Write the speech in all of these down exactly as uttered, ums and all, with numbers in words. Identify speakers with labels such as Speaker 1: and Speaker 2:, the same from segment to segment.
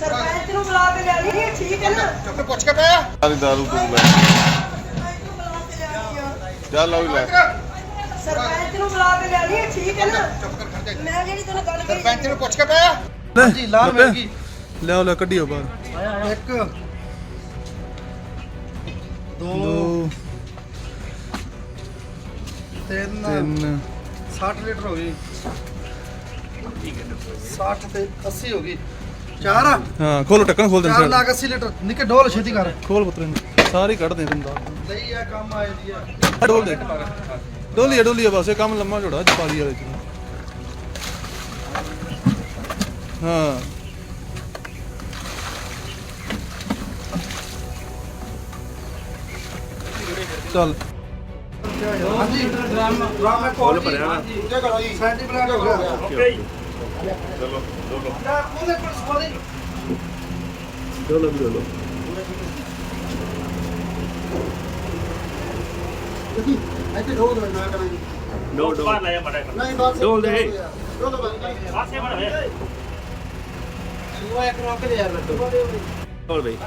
Speaker 1: ਸਰਪੰਚ ਨੂੰ ਬੁਲਾ ਕੇ ਲੈ ਲਈ ਠੀਕ ਹੈ ਨਾ
Speaker 2: ਚੁੱਪ ਪੁੱਛ ਕੇ ਪਿਆ
Speaker 3: ਸਾਰੀ ਦਾਰੂ ਤੂੰ ਲੈ ਚੱਲ ਆ ਵੀ ਲੈ
Speaker 1: ਸਰਪੰਚ ਨੂੰ ਬੁਲਾ ਕੇ ਲੈ ਲਈ ਠੀਕ ਹੈ ਨਾ
Speaker 2: ਚੁੱਪ ਕਰ ਖੜ ਜਾ
Speaker 1: ਮੈਂ ਜਿਹੜੀ ਤੈਨੂੰ ਗੱਲ ਕਹੀ
Speaker 2: ਸਰਪੰਚ ਨੂੰ ਪੁੱਛ ਕੇ ਪਿਆ
Speaker 4: ਹਾਂਜੀ ਲਾਲ ਮਿਲ ਗਈ
Speaker 5: ਲਿਆਓ ਲੈ ਕੱਢਿਓ ਬਾਹਰ
Speaker 4: ਇੱਕ ਦੋ
Speaker 5: ਦੋ
Speaker 4: ਤਿੰਨ
Speaker 5: ਤਿੰਨ
Speaker 4: ਸੱਠ ਲੀਟਰ ਹੋ ਗਈ ਸੱਠ ਤੇ ਅੱਸੀ ਹੋ ਗਈ ਚਾਰ ਆ
Speaker 5: ਹਾਂ ਖੋਲੋ ਟੱਕਣ ਖੋਲ ਦੇ
Speaker 4: ਚਾਰ ਲੱਖ ਅੱਸੀ ਲੀਟਰ ਨਿੱਕੇ ਡੋਲ ਛੇਤੀ ਕਰ
Speaker 5: ਖੋਲ ਪੁੱਤਰ ਨੂੰ ਸਾਰੇ ਕੱਢ ਦੇ ਤੈਨੂੰ ਦੱਸ
Speaker 4: ਲਈ ਆ ਕੰਮ ਆਏ ਦੀ ਆ
Speaker 5: ਡੋਲ ਦੇ ਡੋਲੀਏ ਡੋਲੀਏ ਬਸ ਇਹ ਕੰਮ ਲੰਮਾ ਝੋੜਾ ਜਪਾਲੀ ਵਾਲੇ ਚ ਹਾਂ ਚੱਲ
Speaker 4: ਹਾਂਜੀ ਡਰਮ ਡਰਮ ਮੈਂ ਕੋਲ ਭਰਿਆ ਨਾ ਸੈਂਟੀਮੀਟਰ ਹੋ ਗਿਆ
Speaker 3: ਓਕੇ ਚਲੋ ਚਲੋ
Speaker 4: ਨਾ ਉਹਨੇ ਕੋਲ ਸਵਾਦੀ
Speaker 5: ਡੋਲੋ ਡੋਲੋ
Speaker 2: ਇੱਥੇ ਢੋਲ ਦੇ ਨਾ ਕਰਾਂਗੇ
Speaker 3: ਡੋ ਡੋ
Speaker 2: ਨਹੀਂ ਬਸ
Speaker 3: ਢੋਲ ਦੇ
Speaker 2: ਢੋਲ ਬੰਦ
Speaker 3: ਪਾਸੇ ਬੜ ਵੇ
Speaker 4: ਉਹ ਇੱਕ ਰੋਕ ਦੇ ਯਾਰ ਲੱਡੂ
Speaker 3: ਢੋਲ ਬਈ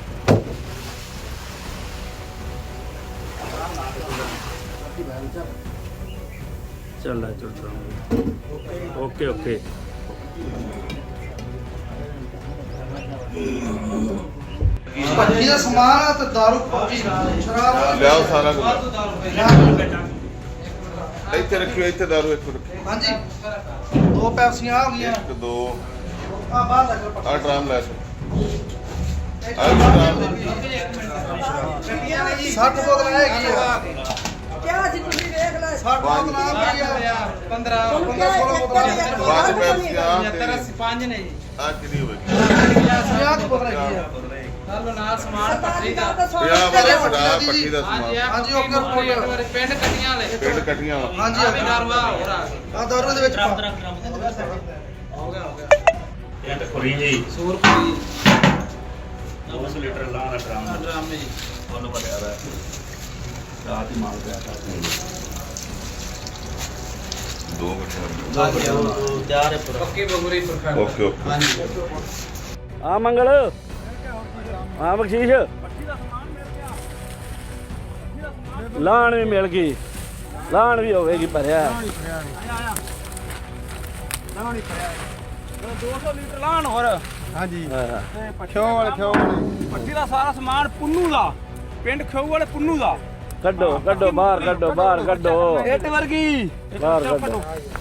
Speaker 3: ਚੱਲ ਲੈ ਚੱਲ ਓਕੇ ਓਕੇ
Speaker 4: ਭੱਜੀ ਦਾ ਸਮਾਨ ਆ ਤੇ ਦਾਰੂ ਪੱਕੀ ਸ਼ਰਾਬ
Speaker 3: ਲਿਆਓ ਸਾਰਾ ਕੁਝ ਇੱਥੇ ਰੱਖਿਓ ਇੱਥੇ ਦਾਰੂ ਇੱਕ ਰੱਖਿਓ
Speaker 4: ਹਾਂਜੀ ਦੋ ਪੈਪਸੀਆਂ ਆ ਗਈਆਂ
Speaker 3: ਇੱਕ ਦੋ
Speaker 4: ਆ ਬਾਹਰ ਲੱਗ
Speaker 3: ਆ ਡਰਾਮ ਲੈ ਸੋ ਆ ਡਰਾਮ
Speaker 4: ਸੱਠ ਬੋਤਲਾਂ ਹੈਗੀਆਂ
Speaker 1: ਕਿਆ ਸੀ ਤੁਸੀਂ ਵੇਖ ਲੈ
Speaker 4: ਸੱਠ ਬੋਤਲਾਂ ਆ ਗਈਆਂ
Speaker 6: ਪੰਦਰਾਂ
Speaker 4: ਪੰਦਰਾਂ ਸੋਲਾਂ ਬੋਤਲਾਂ
Speaker 3: ਪੰਜ ਪੈਪਸੀ ਆ
Speaker 6: ਸੱਤਰ ਅੱਸੀ ਪੰਜ ਨੇ ਜੀ
Speaker 3: ਆ ਕਿੰਨੀ ਹੋਵੇ
Speaker 4: ਪੰਜਾਹ ਕੁ ਬੋਤਲਾਂ ਹੈਗੀਆਂ
Speaker 6: ਨਾਲ ਨਾਲ ਸਮਾਨ ਪੱਤਰੀ ਦਾ
Speaker 3: ਪਿਆ ਵਾਲੇ ਫੜਾ ਪੱਟੀ ਦਾ
Speaker 6: ਹਾਂਜੀ
Speaker 3: ਸਮਾਨ
Speaker 4: ਹਾਂਜੀ, ਓਕੇ, ਓਕੇ।
Speaker 6: ਪਿੰਡ ਕੱਟੀਆਂ ਵਾਲੇ
Speaker 3: ਪਿੰਡ ਕੱਟੀਆਂ ਵਾ
Speaker 4: ਹਾਂਜੀ
Speaker 6: ਆ ਵੀ ਨਰਵਾ ਹੋਰ ਆ
Speaker 4: ਆ ਦਾਰੂ ਦੇ ਵਿੱਚ ਪਾ
Speaker 6: ਹੋ ਗਿਆ ਹੋ ਗਿਆ
Speaker 7: ਇਹ ਤਾਂ ਖੁਰੀ ਜੀ
Speaker 6: ਸੂਰਪੁਰੀ
Speaker 7: ਦੋ ਸੌ ਲੀਟਰ ਲਾ ਦਾ ਡਰਾਮ
Speaker 6: ਡਰਾਮੇ ਜੀ
Speaker 7: ਤੁਹਾਨੂੰ ਪਤਾ ਹੈ ਰਾਤ ਹੀ ਮਾਲ ਪਿਆ
Speaker 3: ਦੋ ਮਿੰਟ
Speaker 6: ਤਿਆਰ ਹੈ ਪੂਰਾ ਪੱਕੀ ਬਗੂਰੀ ਪ੍ਰਖੰਡ
Speaker 3: ਓਕੇ ਓਕੇ
Speaker 6: ਹਾਂਜੀ
Speaker 7: ਆ ਮੰਗਲ ਆ ਬਖਸ਼ੀਸ਼ ਲਾਣ ਵੀ ਮਿਲ ਗਈ ਲਾਣ ਵੀ ਹੋਵੇਗੀ ਭਰਿਆ ਦੋ ਸੌ ਲੀਟਰ ਲਾਣ ਹੋਰ
Speaker 5: ਹਾਂਜੀ
Speaker 7: ਹਾਂ।
Speaker 5: ਖਿਓ ਵਾਲੇ ਖਿਓ ਵਾਲੇ
Speaker 6: ਪੱਟੀ ਦਾ ਸਾਰਾ ਸਮਾਨ ਪੁੰਨੂ ਦਾ ਪਿੰਡ ਖੇਊ ਵਾਲੇ ਪੁੰਨੂ ਦਾ
Speaker 7: ਕੱਢੋ ਕੱਢੋ ਬਾਹਰ ਕੱਢੋ ਬਾਹਰ ਕੱਢੋ
Speaker 6: ਇੱਟ ਵਰਗੀ
Speaker 7: ਬਾਹਰ ਕੱਢੋ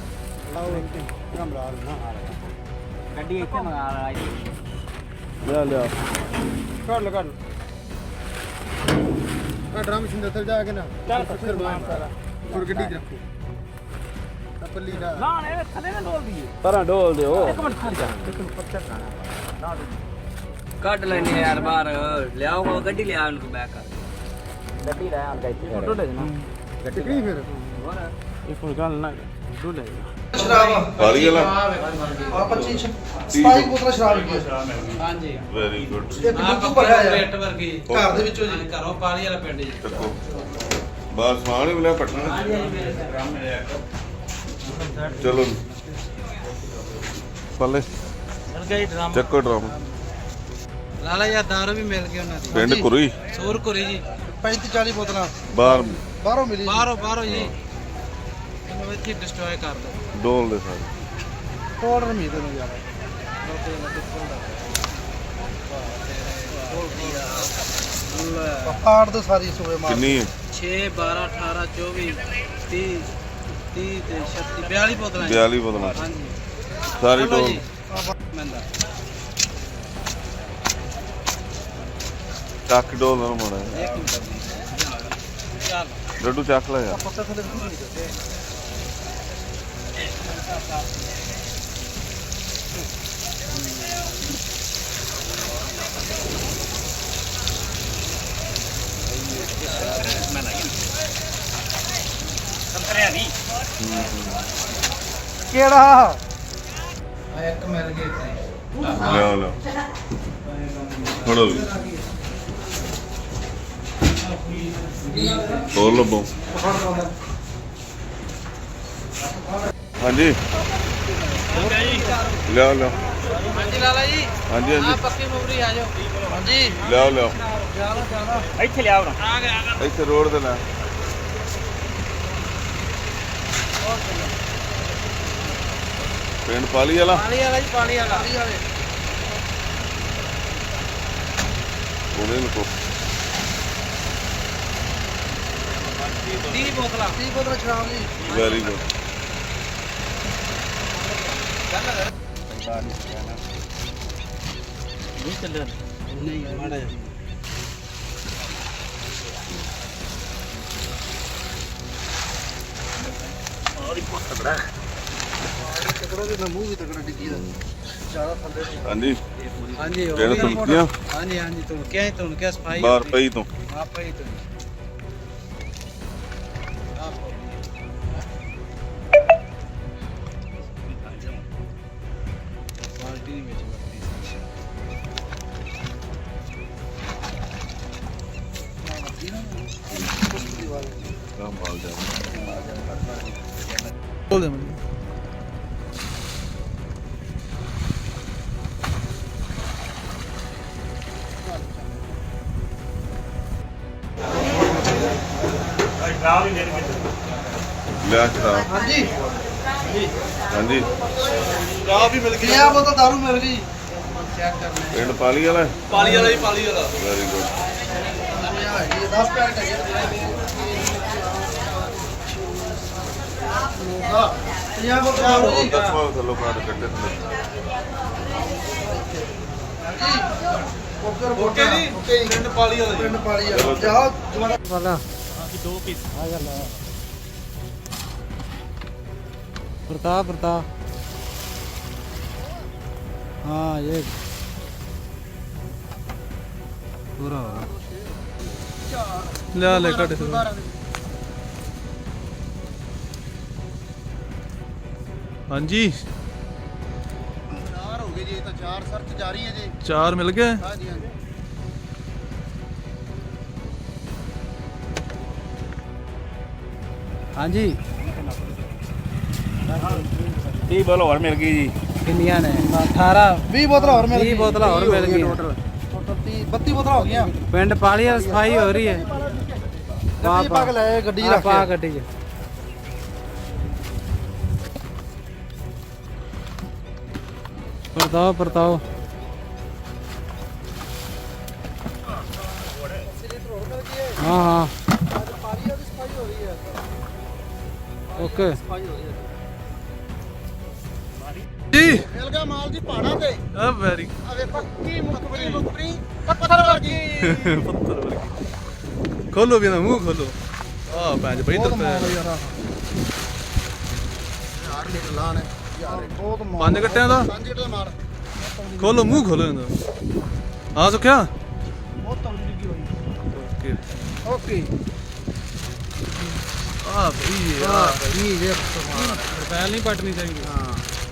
Speaker 6: ਗੱਡੀ ਇੱਥੇ ਮੰਗਾ ਲਾ
Speaker 7: ਲਿਆ ਲਿਆ
Speaker 5: ਕੱਢ ਲੋ ਕੱਢ ਆ ਡਰਮ ਸਿੰਦਰ ਤੇ ਜਾ ਕੇ ਨਾ ਚੱਲ ਫਿਰ ਬਾਹਰ ਸਾਰਾ ਹੋਰ ਗੱਡੀ ਚ ਰੱਖੋ ਤਾਂ ਪੱਲੀ ਦਾ
Speaker 6: ਲਾਣ ਇਹ ਥੱਲੇ ਨਾ ਡੋਲ ਦਈਏ
Speaker 7: ਪਰਾਂ ਡੋਲ ਦਿਓ
Speaker 6: ਇੱਕ ਮਿੰਟ ਖੜ ਜਾ ਇੱਕ ਮਿੰਟ ਪਰਚਾ ਕਰਾਣਾ ਕੱਢ ਲੈਣੇ ਯਾਰ ਬਾਹਰ ਲਿਆਓ ਗੱਡੀ ਲਿਆ ਉਹਨੂੰ ਬੈਕ ਕਰ ਗੱਡੀ ਲੈ ਆਂ ਇੱਥੇ ਫੋਟੋ ਲੈ ਦੇਣਾ
Speaker 5: ਟਿਕਰੀ ਫਿਰ
Speaker 6: ਇਹ ਕੋਈ ਗੱਲ ਨਾ ਡੋ ਲੈ
Speaker 4: ਸ਼ਰਾਬ
Speaker 3: ਕਾਲੀ ਵਾਲਾ
Speaker 4: ਆ ਪੱਚੀ ਸਤਾਈ ਬੋਤਲਾਂ ਸ਼ਰਾਬ ਹੈਗੀਆਂ
Speaker 6: ਹਾਂਜੀ
Speaker 3: ਵੈਰੀ ਗੁੱਡ
Speaker 4: ਇੱਕ ਦੁੱਧ ਭਰਿਆ ਯਾਰ
Speaker 6: ਰੇਟ ਵਰਗੀ
Speaker 4: ਘਰ ਦੇ ਵਿੱਚੋਂ ਜੀ
Speaker 6: ਘਰੋਂ ਪਾਲੀ ਵਾਲਾ ਪਿੰਡ ਜੀ
Speaker 3: ਚੱਕੋ ਬਾਹਰ ਸਮਾਨ ਹੀ ਮਿਲਿਆ ਪਟਣਾ ਚਲੋ ਪੱਲੇ
Speaker 6: ਗਈ ਡਰਾਮ
Speaker 3: ਚੱਕੋ ਡਰਾਮ
Speaker 6: ਲਾਲਾ ਯਾਰ ਦਾਰੂ ਵੀ ਮਿਲ ਗਈ ਉਹਨਾਂ ਦੀ
Speaker 3: ਪਿੰਡ ਕੁਰੀ
Speaker 6: ਸੂਰ ਕੁਰੀ ਜੀ
Speaker 4: ਪੈਂਤੀ ਚਾਲੀ ਬੋਤਲਾਂ
Speaker 3: ਬਾਹਰ
Speaker 4: ਬਾਹਰੋਂ ਮਿਲੀ
Speaker 6: ਬਾਹਰੋਂ ਬਾਹਰੋਂ ਜੀ ਇਹਨੂੰ ਇੱਥੇ ਡਿਸਟਰੋਏ ਕਰ ਦੋ
Speaker 3: ਡੋਲ ਦੇ ਸਾਰੇ
Speaker 4: ਆਰਡਰ ਮੀ ਦੇ ਨੂੰ ਯਾਰ ਪਾੜ ਦੋ ਸਾਰੀ ਸੂਏ ਮਾਰ
Speaker 3: ਕਿੰਨੀ ਹੈ
Speaker 6: ਛੇ ਬਾਰਾਂ ਅਠਾਰਾਂ ਚੌਵੀ ਤੀਹ ਤੀਹ ਤੇ ਛੱਤੀ ਬਿਆਲੀ ਬੋਤਲਾਂ ਜੀ।
Speaker 3: ਬਿਆਲੀ ਬੋਤਲਾਂ
Speaker 6: ਹਾਂਜੀ
Speaker 3: ਸਾਰੀ
Speaker 6: ਚਲੋ
Speaker 3: ਡੋਲ
Speaker 6: ਜੀ ਮੰਦਾ
Speaker 3: ਚੱਕ ਡੋਲ ਨਾ ਮੋੜਾ
Speaker 6: ਇੱਕ ਮਿੰਟ ਜੀ ਚੱਲ
Speaker 3: ਲੱਡੂ ਚੱਕ ਲੈ ਯਾਰ
Speaker 4: ਪੱਤਾ ਥੱਲੇ ਨਹੀਂ ਦਿੱਤੇ
Speaker 7: ਸੰਤਰਿਆ ਨਹੀਂ
Speaker 4: ਕਿਹੜਾ
Speaker 6: ਆ ਇੱਕ ਮਿਲ ਗਈ ਇੱਥੇ
Speaker 3: ਲਿਆ ਲਿਆ ਫੜੋ ਵੀ ਹੋਰ ਲੱਭੋ ਹਾਂਜੀ ਲਿਆ ਲਿਆ
Speaker 4: ਹਾਂਜੀ ਲਾਲਾ ਜੀ
Speaker 3: ਹਾਂਜੀ ਹਾਂਜੀ
Speaker 4: ਪੱਕੀ ਮੁਗਰੀ ਆ ਜਾਓ ਹਾਂਜੀ
Speaker 3: ਲਿਆਓ ਲਿਆਓ
Speaker 4: ਜਿਆਦਾ ਜਿਆਦਾ
Speaker 6: ਇੱਥੇ ਲਿਆਓ ਨਾ
Speaker 4: ਆ ਗਿਆ ਆ ਗਿਆ
Speaker 3: ਇੱਥੇ ਰੋਡ ਤੇ ਲੈ ਪਿੰਡ ਪਾਲੀ ਵਾਲਾ
Speaker 4: ਪਾਣੀ ਵਾਲਾ ਜੀ ਪਾਣੀ ਵਾਲਾ
Speaker 3: ਉਹਨੇ ਨੂੰ ਕੋ
Speaker 4: ਤੀਹ ਬੋਤਲਾਂ ਤੀਹ ਬੋਤਲਾਂ ਸ਼ਰਾਬ ਜੀ
Speaker 3: ਵੈਰੀ ਗੁੱਡ
Speaker 6: ਨਹੀਂ ਚੱਲਿਆ
Speaker 4: ਨਹੀਂ ਮਾੜਾ ਜਿਹਾ ਤਕੜਾ ਦੇ ਨਾ ਮੂੰਹ ਵੀ ਤਕੜਾ ਡਿੱਗੀ ਦਾ ਜ਼ਿਆਦਾ ਥੱਲੇ
Speaker 3: ਹਾਂਜੀ
Speaker 4: ਹਾਂਜੀ
Speaker 3: ਕਿਹੜਾ ਤੁਲਕੀਆਂ
Speaker 4: ਹਾਂਜੀ ਹਾਂਜੀ ਤੁਣਕਿਆ ਹੀ ਤੁਣਕਿਆ ਸਫਾਈ
Speaker 3: ਬਾਹਰ ਪਈ ਤੋਂ
Speaker 4: ਆਪੇ ਹੀ ਤੁਣ ਬਾਲਟੀ ਨਹੀਂ ਵਿੱਚ ਵਰਤੀ
Speaker 3: ਕੰਮ ਬਾਲ ਜਾ
Speaker 4: ਬੋਲ ਦੇ ਮੈਨੂੰ
Speaker 3: ਲਿਆ ਚੜਾ
Speaker 4: ਹਾਂਜੀ
Speaker 3: ਹਾਂਜੀ
Speaker 4: ਚਾਹ ਵੀ ਮਿਲ ਗਈ ਆ ਬੋਤਲ ਦਾਰੂ ਮਿਲ ਗਈ ਚੈੱਕ ਕਰਨਾ
Speaker 3: ਪਿੰਡ ਪਾਲੀ ਵਾਲਾ
Speaker 4: ਪਾਲੀ ਵਾਲਾ ਜੀ ਪਾਲੀ ਵਾਲਾ
Speaker 3: ਵੈਰੀ ਗੁੱਡ
Speaker 4: ਦਸ ਪੈਕਟ ਹੈ ਪੰਜਾਹ ਬੋਤਲ ਦਾਰੂ ਜੀ
Speaker 3: ਦਸਵਾਂ ਥੱਲੋਂ ਕਾਟ ਕੱਢੇ ਥੱਲੇ
Speaker 4: ਓਕੇ ਓਕੇ ਜੀ ਓਕੇ ਪਿੰਡ ਪਾਲੀ ਵਾਲਾ ਪਿੰਡ ਪਾਲੀ ਵਾਲਾ ਜਾਓ ਦੁਬਾਰਾ ਵਾਲਾ
Speaker 6: ਦੋ ਪੀਸ
Speaker 4: ਆ ਗੱਲ ਆ प्रताप प्रताप हाँ ये पूरा ले ले कट हाँ जी
Speaker 2: ਚਾਰ ਹੋ ਗਏ ਜੀ ਇਹ ਤਾਂ ਚਾਰ ਸਰਚ ਜਾਰੀ ਹੈ ਜੀ
Speaker 4: चार मिल गए
Speaker 2: ਹਾਂਜੀ ਹਾਂਜੀ
Speaker 4: हाँ जी
Speaker 7: ਤੀਹ ਬੋਲ ਹੋਰ ਮਿਲ ਗਈ ਜੀ
Speaker 4: किन्नियां ने अठारह बीस बोतल और मिल गई बीस बोतल और मिल गई टोटल टोटल बत्तीस बोतल हो गई पिंड पाली सफाई हो रही है गड्डी पा के ले गड्डी रख पा गड्डी च परताओ परताओ हाँ हाँ ओके जी
Speaker 2: ਮਿਲ ਗਿਆ ਮਾਲ ਜੀ ਪਹਾੜਾਂ ਤੇ
Speaker 4: ਆ ਵੈਰੀ
Speaker 2: ਆ ਵੇਖੋ ਕੀ ਮੁਖਬਰੀ ਮੁਖਬਰੀ ਪੱਥਰ ਵਰਗੀ
Speaker 4: ਪੱਤਰ ਵਰਗੀ ਖੋਲੋ ਵੀ ਨਾ ਮੂੰਹ ਖੋਲੋ ਆ ਪੈਂਜ ਬਈ ਇੱਧਰ ਪੈ
Speaker 2: ਯਾਰ ਲੀਟਰ ਲਾਣ ਹੈ ਯਾਰ ਬਹੁਤ ਮਾਲ
Speaker 4: ਪੰਜ ਗੱਟਿਆਂ ਦਾ
Speaker 2: ਪੰਜ ਲੀਟਰ ਦਾ ਮਾਲ
Speaker 4: ਖੋਲੋ ਮੂੰਹ ਖੋਲੋ ਇਹਦਾ ਹਾਂ ਸੁਖਿਆ
Speaker 2: ਬਹੁਤ ਤੰਗੀ ਲੱਗੀ ਹੋਈ
Speaker 4: ਓਕੇ
Speaker 2: ਓਕੇ
Speaker 4: ਆ ਬਈ ਆ
Speaker 2: ਇਹ ਜੇ
Speaker 4: ਰਪੈਲ ਨਹੀਂ ਪਟਣੀ ਚਾਹੀਦੀ
Speaker 2: ਹਾਂ